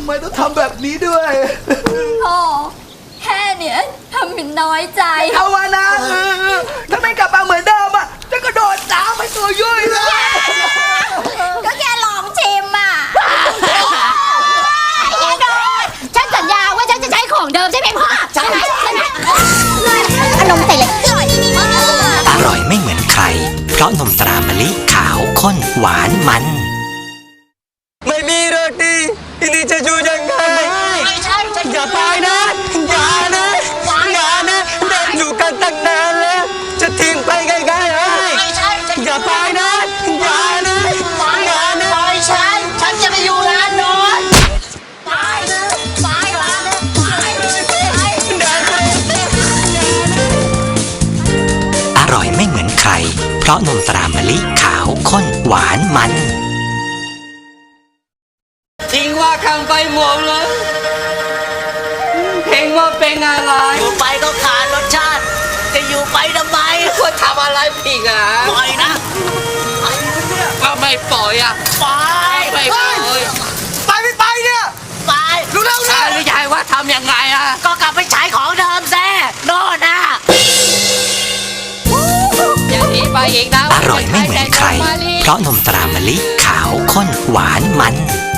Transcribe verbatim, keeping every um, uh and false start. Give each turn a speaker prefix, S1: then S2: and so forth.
S1: ไมต้องทำแบบนี้ด้วย
S2: โอ้แค่เนี้ยทำเป็นน้อยใจ
S1: เอาวะนะถ้าไม่กลับมาเหมือนเดิมอ่ะจะกระโดดน้ำไปตัวยุ่ยเลย
S2: ก็แค่ลองชิมอ่ะอย่าโดนฉันสัญญาว่าฉันจะใช้ของเดิมใช่ไหมพ่อใช่ไหมใช่ไหมอารมณ์แต่ละอร่อยมาก
S3: อร่อยไม่เหมือนใคร เพราะนมตรามะลิขาวข้นหวานมัน
S4: ไม่มีโรตีทีนี้จะอยู่ยังไงไม่ใช่อย่าไปนะอย่านะอย่านะเด็กอยู่กันตั้งนานแล้วจะทิ้งไปง่ายๆเหรอไม่ใช่อย่าไปนะอย่านะอย่านะปล่อยฉันฉันจะไปอยู่ร้านโน้นไปนะไปร้านนะไปไป
S3: อร่อยไม่เหมือนใคร เพราะนมตรามะลิขาวข้นหวานมัน
S4: ทิ้งว่าคำไปหมดเลยเพลงว่าเป็นอะไรอยู่ไปก็ขาดรสชาติจะอยู่ไปทำไมควรทำอะไรผิดอ่ะปล่อยนะก็ไม่ปล่อยอ่ะไปไม่ปล่อยไปไม่ไปเนี่ยไปรู้แล้วนะหรือยายว่าทำยังไงอ่ะก็กลับไปใช้ของเดิมแซ่โน่นอ่ะอย่างนี้ไปอีกนะ
S3: อร่อยไม่เหมือนใคร เพราะนมตรามะลิขาวข้นหวานมัน